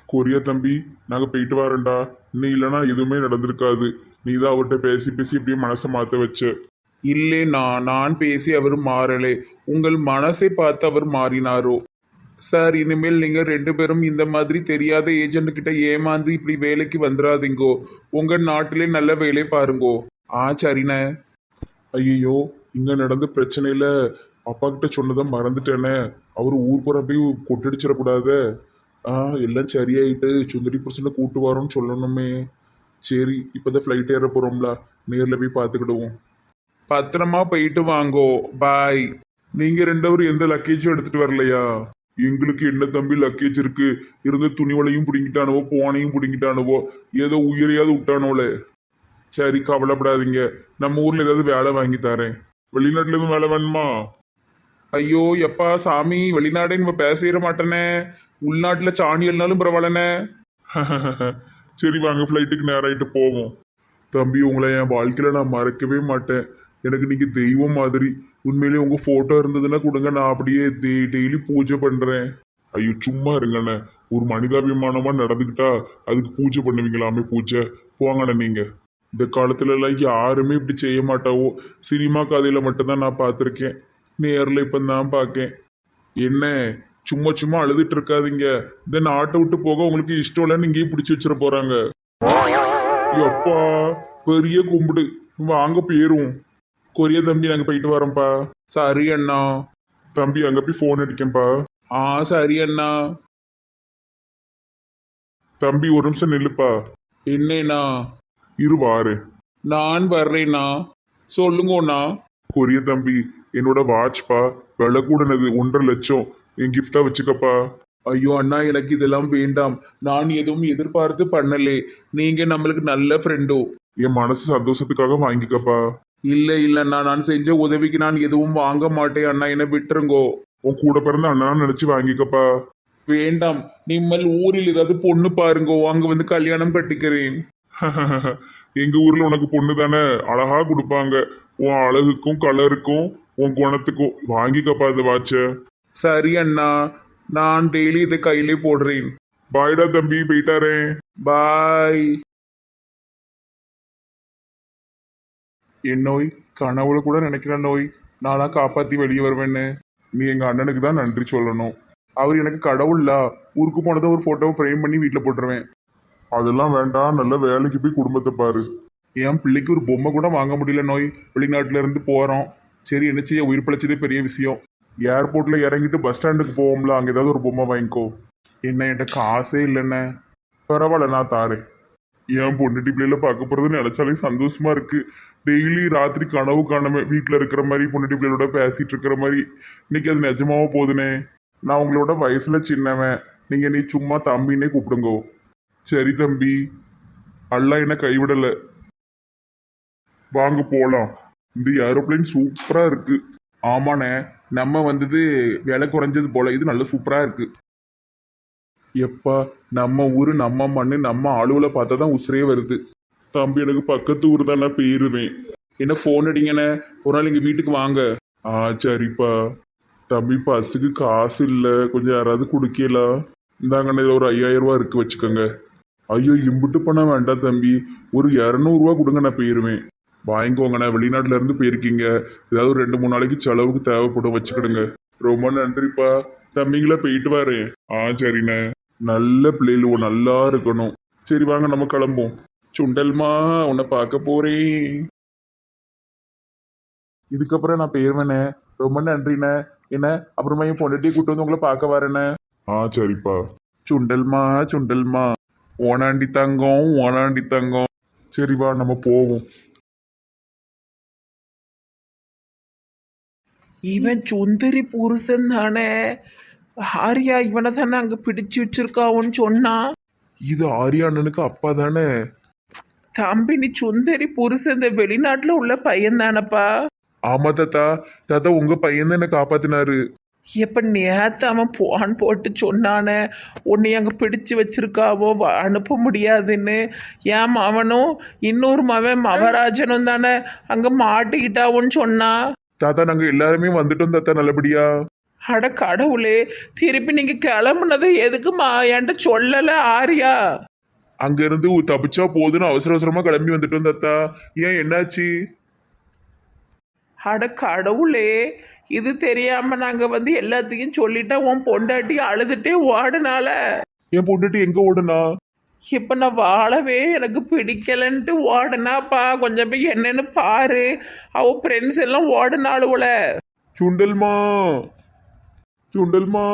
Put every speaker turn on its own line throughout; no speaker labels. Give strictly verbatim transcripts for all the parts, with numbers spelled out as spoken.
Korea தம்பி, நாங்க போயிட்டு வரேன்டா. நீ இல்லைன்னா எதுவுமே நடந்திருக்காது. நீ தான் அவர்கிட்ட பேசி பேசி இப்படியே மனசை மாத்த வச்ச.
இல்லை நான் நான் பேசி அவர் மாறலே, உங்கள் மனசை பார்த்து அவர் மாறினாரோ. சார், இனிமேல் நீங்கள் ரெண்டு பேரும் இந்த மாதிரி தெரியாத ஏஜென்ட் கிட்ட ஏமாந்து இப்படி வேலைக்கு வந்துடாதீங்கோ. உங்கள் நாட்டிலே நல்ல வேலை பாருங்கோ. ஆ சரிண்ணே.
ஐயோ, இங்க நடந்த பிரச்சனையில அப்பா கிட்ட சொன்னதை மறந்துட்டேனே. அவர் ஊர் புற போய் கொட்டடிச்சிடக்கூடாத. ஆ, எல்லாம் சரியாயிட்டு சுந்தரி புருஷனை கூட்டு வரோன்னு சொல்லணுமே. சரி, இப்போதான் ஃப்ளைட் ஏற போறோம்ல, நேர்ல போய் பார்த்துக்கிடுவோம்.
பத்திரமா போயிட்டு வாங்கோ. பாய்.
நீங்க ரெண்டவரும் எந்த லக்கேஜும் எடுத்துட்டு வரலையா? எங்களுக்கு என்ன தம்பி லக்கேஜ் இருக்கு? இருந்த துணிவலையும் பிடிங்கிட்டானுவோ, போனையும் பிடிங்கிட்டானுவோ, ஏதோ உயிரையாவது விட்டானோல. சரி, கவலைப்படாதீங்க. நம்ம ஊர்ல ஏதாவது வேலை வாங்கி தரேன். வெளிநாட்டுல எதுவும் வேலை வேணுமா?
ஐயோ எப்பா சாமி, வெளிநாடே நம்ம பேசிட மாட்டேனே. உள்நாட்டில் சாணி இல்லைனாலும் பரவாயில்லண்ணே.
சரி வாங்க, ஃப்ளைட்டுக்கு நேராயிட்டு போவோம். தம்பி, உங்களை என் வாழ்க்கையில நான் மறக்கவே மாட்டேன். எனக்கு நீங்க தெய்வம் மாதிரி. உண்மையிலேயே உங்க போட்டோ இருந்ததுன்னா கொடுங்க, நான் அப்படியே டெய்லி பூஜை பண்றேன். ஐயோ சும்மா இருங்கண்ணே. ஒரு மனிதாபிமானமா நடந்துக்கிட்டா அதுக்கு பூஜை பண்ணுவீங்களாமே பூஜை. போங்கண்ணே. நீங்க இந்த காலத்துல எல்லாம் யாருமே இப்படி செய்ய மாட்டாவோ. சினிமா கதையில மட்டும்தான் நான் பார்த்துருக்கேன். நேரில் இப்போ தான் பார்க்கேன். என்ன சும்மா சும்மா அழுதுட்டு இருக்காதீங்க. இந்த நாட்டை விட்டு போக உங்களுக்கு இஷ்டம் இல்லைன்னு இங்கேயே பிடிச்சி வச்சிட போறாங்க. எப்பா, பெரிய கும்பிடு. வாங்க போயிரும். கொரியா தம்பி, நாங்கள் போயிட்டு வரோம்ப்பா.
சரி அண்ணா.
தம்பி, அங்கே போய் ஃபோன் அடிக்கேன்ப்பா.
ஆ சரி அண்ணா.
தம்பி, ஒரு நிமிஷம் நில்லுப்பா.
என்னண்ணா?
இரு வாரு.
நான் வர்றேண்ணா. சொல்லுங்கண்ணா.
கொரியா தம்பி, என்னோட வாட்ச்ப்பா. விலை கூடனது ஒன்றரை லட்சம். என் கிஃப்டா வச்சுக்கப்பா.
ஐயோ அண்ணா, எனக்கு இதெல்லாம் வேண்டாம். நான் எதுவும் எதிர்பார்த்து பண்ணலே. நீங்க நம்மளுக்கு நல்ல ஃப்ரெண்டோ.
என் மனசு சந்தோஷத்துக்காக வாங்கிக்கப்பா.
இல்லை இல்லைண்ணா, நான் செஞ்ச உதவிக்கு நான் எதுவும் வாங்க மாட்டேன் அண்ணா, என்னை விட்டுருங்கோ.
உன் கூட பிறந்த அண்ணா நினைச்சு வாங்கிக்கப்பா.
வேண்டாம், நிம்மல் ஊரில் ஏதாவது பொண்ணு பாருங்கோ, அங்க வந்து கல்யாணம் கட்டிக்கிறேன்.
எங்க ஊர்ல உனக்கு பொண்ணு தானே, அழகா கொடுப்பாங்க. உன் அழகுக்கும் கலருக்கும் உன் குணத்துக்கும் வாங்கிக்கப்பா இந்த வாட்ச.
சரி அண்ணா, நான் டெய்லி இதை கையிலே போடுறேன்.
பாய்டா தம்பி, போயிட்டாரே.
பாய். என் நோய் கனவுல கூட நினைக்கிற நோய். நானா காப்பாத்தி வெளியே வருவேன்னு.
நீ எங்க அண்ணனுக்கு தான் நன்றி சொல்லணும்.
அவர் எனக்கு கடவுள்ல. ஊருக்கு போனதை ஒரு போட்டோவை ஃப்ரேம் பண்ணி வீட்டில் போட்டுருவேன்.
அதெல்லாம் வேண்டாம், நல்ல வேலைக்கு போய் குடும்பத்தை பாரு.
என் பிள்ளைக்கு ஒரு பொம்மை கூட வாங்க முடியல நோய். வெளிநாட்டுல இருந்து போறோம். சரி, என்ன செய்ய, உயிர் பிழைச்சதே பெரிய விஷயம்.
ஏர்போர்ட்ல இறங்கிட்டு பஸ் ஸ்டாண்டுக்கு போவோம்ல, அங்க ஏதாவது ஒரு பொம்மை வாங்கிக்கோ.
என்ன என்கிட்ட காசே இல்லைண்ணே.
பரவாயில்ல, நான் தாரேன். என் பொண்ணுட்டி பிள்ளைல பார்க்க போறது நினைச்சாலே சந்தோஷமா இருக்கு. டெய்லி ராத்திரி கனவு காணாம வீட்டில் இருக்கிற மாதிரி பொண்ணுட்டி பிள்ளைகளோட பேசிட்டு இருக்கிற மாதிரி. இன்னைக்கு அது நிஜமாவோ போதுனே. நான் உங்களோட வயசுல சின்னவன். நீங்க நீ சும்மா தம்பின்னே கூப்பிடுங்கோ. சரி தம்பி, அல்லா என்ன கைவிடல. வாங்க போலாம். இந்த ஏரோப்ளைன் சூப்பரா இருக்கு.
ஆமாண்ணே, நம்ம வந்தது விலை குறைஞ்சது போல. இது நல்ல சூப்பரா இருக்கு. எப்பா, நம்ம ஊரு நம்ம மண்ணு நம்ம ஆளுவலை பார்த்தா தான் உசுரே வருது.
தம்பி, எனக்கு பக்கத்து ஊர் தான், நான் போயிருவேன்.
என்ன ஃபோன் அடிங்கண்ணே, ஒரு நாள் எங்கள் வீட்டுக்கு வாங்க.
ஆ சரிப்பா. தம்பி, பஸ்ஸுக்கு காசு இல்லை, கொஞ்சம் யாராவது கொடுக்கலாம். இந்தாங்கண்ணே, இதில் ஒரு ஐயாயிரம் ரூபா இருக்கு, வச்சுக்கோங்க. ஐயோ, இம்புட்டு பண்ண வேண்டாம் தம்பி, ஒரு இரநூறுவா கொடுங்க, நான் போயிருவேன். வாங்கிக்கோங்கண்ணே, வெளிநாட்டுல இருந்து போயிருக்கீங்க, ஏதாவது ஒரு ரெண்டு மூணு நாளைக்கு செலவுக்கு தேவைப்படும், வச்சுக்கிடுங்க. ரொம்ப நன்றிப்பா. தம்பிங்களா, போயிட்டு வரேன். ஆ சரிண்ணே. நல்ல பிள்ளைகளுவோ, நல்லா இருக்கணும். சரி வாங்க, நம்ம கிளம்புவோம்.
சுண்டல்மா, உன்னை பார்க்க போறேன்.
இதுக்கப்புறம் நான் போயிருவேண்ணே.
ரொம்ப நன்றிண்ணே. என்ன அப்புறமா என் பொண்ணுட்டி கூட்டு வந்து உங்களை பார்க்க வரேண்ணே.
ஆ சரிப்பா.
சுண்டல்மா சுண்டல்மா, ஓனாண்டி தங்கம் ஓனாண்டி தங்கம்.
சரி வா, நம்ம போவோம்.
இவன் சுந்தரி புருஷன் தானே? ஆரியா இவனை தானே அங்க பிடிச்சு வச்சிருக்காவுன்னு சொன்னா.
இது ஆரியா அண்ணனுக்கு அப்பா தானே?
தம்பி, நீ சுந்தரி புருஷன் இந்த வெளிநாட்டுல உள்ள பையன் தானப்பா?
ஆமா தாத்தா. தாத்தா, உங்க பையன் தான் என்ன காப்பாத்தினாரு.
எப்ப நேத்து அவன் போன் போட்டு சொன்னானே, உன்னை அங்க பிடிச்சு வச்சிருக்காவோ, வ- அனுப்ப முடியாதுன்னு. ஏன் அவனும் இன்னொரு மவன் மவராஜனும் தானே அங்க மாட்டிக்கிட்டாவோன்னு சொன்னா.
தாத்தா, நாங்க எல்லாருமே வந்துட்டோம் தாத்தா, நல்லபடியா.
அட கடவுளே, திருப்பி நீங்க கிளம்புனதை எதுக்குமா என்கிட்ட சொல்லல ஆரியா?
அங்கிருந்து தப்பிச்சா போதுன்னு அவசர அவசரமா கிளம்பி வந்துட்டோம் தாத்தா. ஏன் என்னாச்சு?
அட கடவுளே, இது தெரியாம நாங்க வந்து எல்லாத்தையும் சொல்லிட்டா உன் பொண்டாட்டி அழுதுட்டே ஓடுனால.
என் பொண்டுட்டு எங்க ஓடுனா?
இப்ப நான் வாழவே எனக்கு பிடிக்கலன்ட்டு ஓடுனாப்பா. கொஞ்சம் போய் என்னன்னு பாரு. அவ ஃப்ரெண்ட்ஸ் எல்லாம் ஓடுனாளுவல.
சுண்டல்மா, சுண்டல்மா.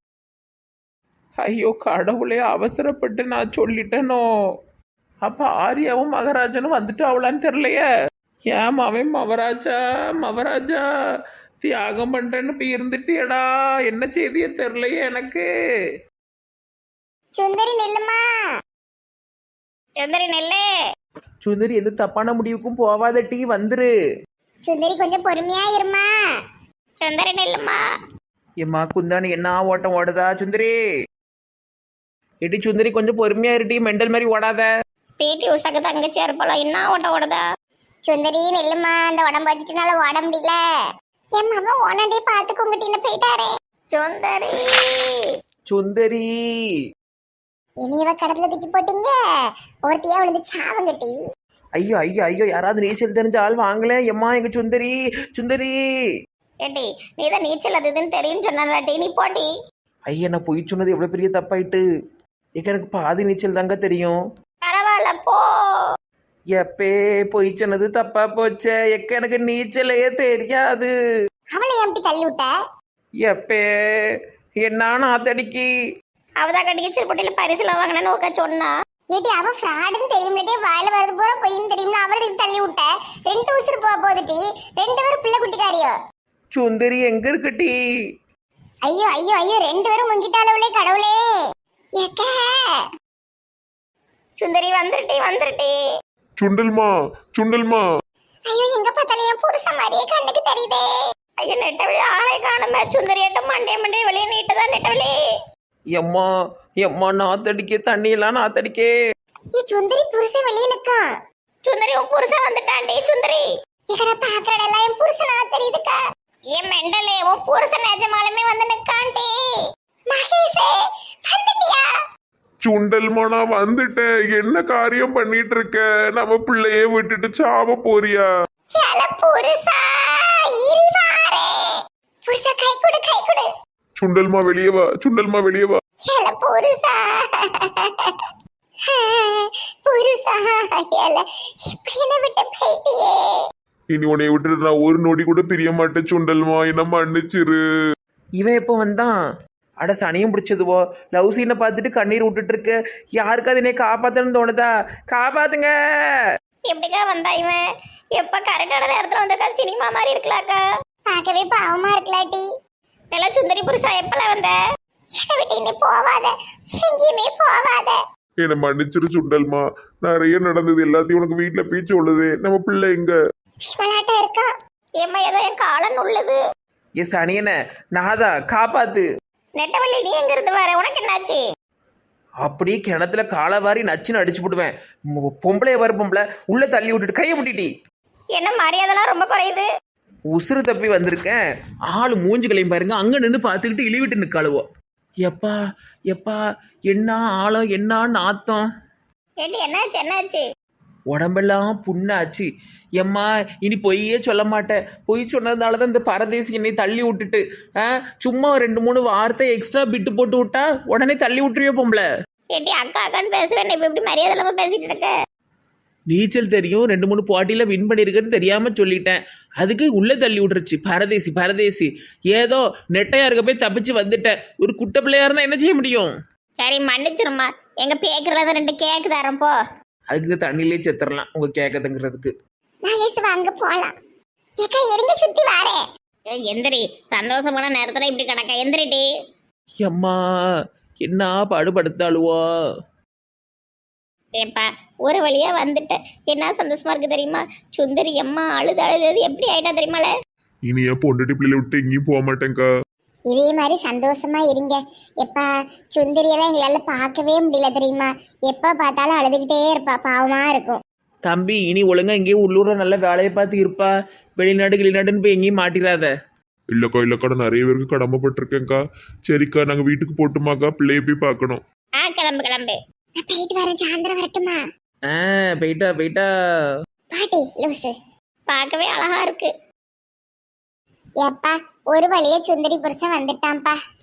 ஐயோ கடவுளே, அவசரப்பட்டு நான் சொல்லிட்டேனோ. அப்ப ஆரியாவும் மகராஜனும் வந்துட்டு அவளான்னு தெரியலையே. ஏன் அவன் மவராஜா மவராஜா தியாகம் பண்றேன்னு போய் இருந்துட்டியடா. என்ன செய்தியே தெரியலையே எனக்கு.
சுந்தரி நெல்லுமா, சுந்தரி நெல்லு.
சுந்தரி எந்த தப்பான முடிவுக்கும் போவாத டீ வந்துரு.
சுந்தரி கொஞ்சம் பொறுமையா இருமா. சுந்தரி நெல்லுமா.
ஏம்மா குந்தானி என்ன ஓட்டம் ஓடுதா சுந்தரி? எடி சுந்தரி கொஞ்சம் பொறுமையா இருட்டி, மெண்டல் மாதிரி ஓடாத.
பிடி உஷாக்கு தங்கச்சியா இருப்பாளா, என்ன ஓட்ட ஓடுதா? சுந்தரி நெல்லுமா, அந்த உடம்பு வச்சுட்டுனால ஓட முடியல. என் மாமா ஓனண்டே பாத்துக்கோங்கட்டின்னு போயிட்டாரே. சுந்தரி
சுந்தரி
இனி இவ கடத்துல தூக்கி போட்டீங்க, ஒருத்தியா விழுந்து சாவங்கட்டி.
ஐயோ ஐயோ ஐயோ, யாராவது நீச்சல் தெரிஞ்ச ஆள் வாங்கல. எம்மா எங்க சுந்தரி சுந்தரி.
ஏட்டி நீதான் நீச்சல் அது இதுன்னு தெரியும் சொன்னாட்டி நீ போட்டி.
ஐயா நான் பொய் சொன்னது எவ்வளவு பெரிய தப்பாயிட்டு. ஏக்க எனக்கு பாதி நீச்சல் தாங்க தெரியும்.
பரவாயில்ல போ.
எப்பே பொய் சொன்னது தப்பா போச்சே. எக்க எனக்கு நீச்சலையே தெரியாது.
அவளை எப்படி தள்ளி விட்ட?
எப்பே என்ன நாத்தடிக்கி.
அவதான் கட்டி நீச்சல் போட்டியில பரிசுல வாங்கினு உக்க சொன்னா. ஏட்டி அவ ஃப்ராடுன்னு தெரியும்லட்டே, வாயில வரது போற பொய்ன்னு தெரியும்ல, அவளை தள்ளி விட்ட. ரெண்டு உசுறு போக போதுட்டி, ரெண்டு பேரும் பிள்ளை குட்டிக்காரியோ.
சுந்தரி எங்க இருக்குட்டி?
ஐயோ ஐயோ ஐயோ, ரெண்டு பேரும் முங்கிட்டாளவளே கடவுளே. ஏக்க சுந்தரி வந்துருட்டி வந்துருட்டி.
சுண்டல்மா, சுண்டல்மா.
ஐயோ எங்க பார்த்தாலும் என் புருஷன் மாதிரியே கண்ணுக்கு தெரியுதே. ஐயோ நெட்டவழி ஆளை காணுமே. சுந்தரி எட்ட மண்டே மண்டே வெளியே நீட்டுதான் நெட்டவழி.
எம்மா எம்மா நாத்தடிக்க, தண்ணியெல்லாம் நாத்தடிக்கே.
ஏ சுந்தரி புருஷன் வெளியே நிக்கா. சுந்தரி உன் புருஷன் வந்துட்டான்டி. சுந்தரி இக்கட பாக்குறட எல்லாம் என் புருஷனா தெரியுதுக்கா. ஏன் மெண்டலே, உன் புருஷன் நிஜமாலுமே வந்து நிக்கான்டி. மகேஷே வந்துட்டியா?
சுண்டல்மா நான் வந்துட்டேன். என்ன காரியம் பண்ணிட்டு இருக்க? நம்ம பிள்ளையே விட்டுட்டு சாவ போறியா?
சல புருஷா இரிவாரே. புருஷா கை கொடு கை கொடு.
சுண்டல்மா வெளியே வா, சுண்டல்மா வெளியே வா.
சல புருஷா புருஷா ஏல இப்படி என்ன விட்டு போயிட்டியே.
இனி உன்னை விட்டுட்டு நான் ஒரு நொடி கூட பிரிய மாட்டேன் சுண்டல்மா, என்ன மன்னிச்சிரு.
இவன் எப்போ வந்தான்? அட சனியும் பிடிச்சதுவோ. லவ் சீனை பார்த்துட்டு கண்ணீர் விட்டுட்டு இருக்கு. யாருக்காவது என்னை காப்பாத்தணும்னு தோணுதா? காப்பாத்துங்க.
எப்படிக்கா வந்தா இவன்? எப்ப கரெக்டான நேரத்துல வந்திருக்கா? சினிமா மாதிரி இருக்கலாக்கா. பார்க்கவே பாவமா இருக்கலாட்டி. நல்லா சுந்தரி புருஷா எப்பல வந்த? என்னை விட்டு இன்னி போவாத, எங்கேயுமே போவாத.
என்னை மன்னிச்சிரு சுண்டல்மா. நிறைய நடந்தது எல்லாத்தையும் உனக்கு வீட்டுல பீச்சு உள்ளது. நம்ம பிள்ளை எங்க?
விளையாட்டா இருக்கா. ஏம்மா ஏதோ என் காலன் உள்ளது.
ஏ சனியன நாதா காப்பாத்து.
நெட்டவள்ளி நீ எங்க இருந்து வர? உனக்கு என்னாச்சு?
அப்படியே கிணத்துல காலை வாரி நச்சுன்னு அடிச்சு போடுவேன். மொ- பொம்பளைய வர பொம்பளை உள்ள தள்ளி விட்டுட்டு கையை முட்டிட்டி.
என்ன மரியாதைலாம் ரொம்ப குறையுது.
உசுறு தப்பி வந்திருக்கேன். ஆள் மூஞ்சுகளையும் பாருங்க. அங்க நின்று பார்த்துக்கிட்டு இழிவிட்டு நிற்காளுவோ. எப்பா எப்பா என்ன ஆழம், என்ன நாத்தம்.
ஏட்டி என்னாச்சு என்னாச்சு?
உடம்பெல்லாம் புண்ணாச்சு. எம்மா இனி பொய்யே சொல்ல மாட்டேன். பொய் சொன்னதுனால தான் இந்த பரதேசி என்னை தள்ளி விட்டுட்டு ஆ சும்மா ஒரு ரெண்டு மூணு வார்த்தை எக்ஸ்ட்ரா பிட்டு போட்டு விட்டா உடனே தள்ளி விட்டுருவே பொம்பளை.
ஏட்டி அக்கா அக்கான்னு பேசுவேன், இப்ப இப்படி மரியாதை இல்லாம பேசிட்டு இருக்க.
நீச்சல் தெரியும், ரெண்டு மூணு போட்டியில் வின் பண்ணியிருக்கேன்னு தெரியாம சொல்லிட்டேன். அதுக்கு உள்ளே தள்ளி விட்டுருச்சு. பரதேசி பரதேசி. ஏதோ நெட்டையா இருக்க போய் தப்பிச்சு வந்துட்டேன். ஒரு குட்டை பிள்ளையா இருந்தா என்ன செய்ய முடியும்?
சரி மன்னிச்சிருமா. எங்க பேக்குறத ரெண்டு கேக்கு தரேன் போ.
அதுக்கு இந்த தண்ணியிலே செத்துடலாம் உங்க கேட்கதுங்கிறதுக்கு.
மகேஷ் வாங்க போலாம். ஏக்கா எரிஞ்ச சுத்தி வாரே. எந்திரி, சந்தோஷமான நேரத்துல இப்படி கிடக்க. எந்திரிட்டி.
எம்மா என்ன பாடுபடுத்தாளுவோ.
ஏப்பா ஒரு வழியா வந்துட்டேன். என்ன சந்தோஷமா இருக்கு தெரியுமா? சுந்தரி அம்மா அழுது அழுது எப்படி ஆயிட்டா தெரியுமால.
இனி என் பொண்டுட்டி பிள்ளைய விட்டு எங்கேயும் போக மாட்டேங்க்கா.
இதே மாதிரி சந்தோஷமா இருங்க. எப்பா சுந்தரியெல்லாம் எங்களால பார்க்கவே முடியல தெரியுமா? எப்ப பார்த்தாலும் அழுதுகிட்டே இருப்பா, பாவமா இருக்கும்.
தம்பி இனி ஒழுங்கா எங்கேயும் உள்ளூர்ல நல்ல வேலையை பார்த்து இருப்பா. வெளிநாடு வெளிநாடுன்னு போய் எங்கேயும் மாட்டிடாத.
இல்லைக்கா இல்லைக்கா நான் நிறைய பேருக்கு கடமைப்பட்டிருக்கேன்க்கா. சரிக்கா நாங்கள் வீட்டுக்கு போட்டுமாக்கா, பிள்ளைய போய் பார்க்கணும்.
ஆ கிளம்பு கிளம்பு. நான் போயிட்டு வரேன், சாயந்தரம் வரட்டுமா?
ஆ போயிட்டா போயிட்டா.
பாட்டி லூசு பார்க்கவே அழகா இருக்கு. ஏப்பா ஒரு வழியா சுந்தரி புருஷன் வந்துட்டான்ப்பா.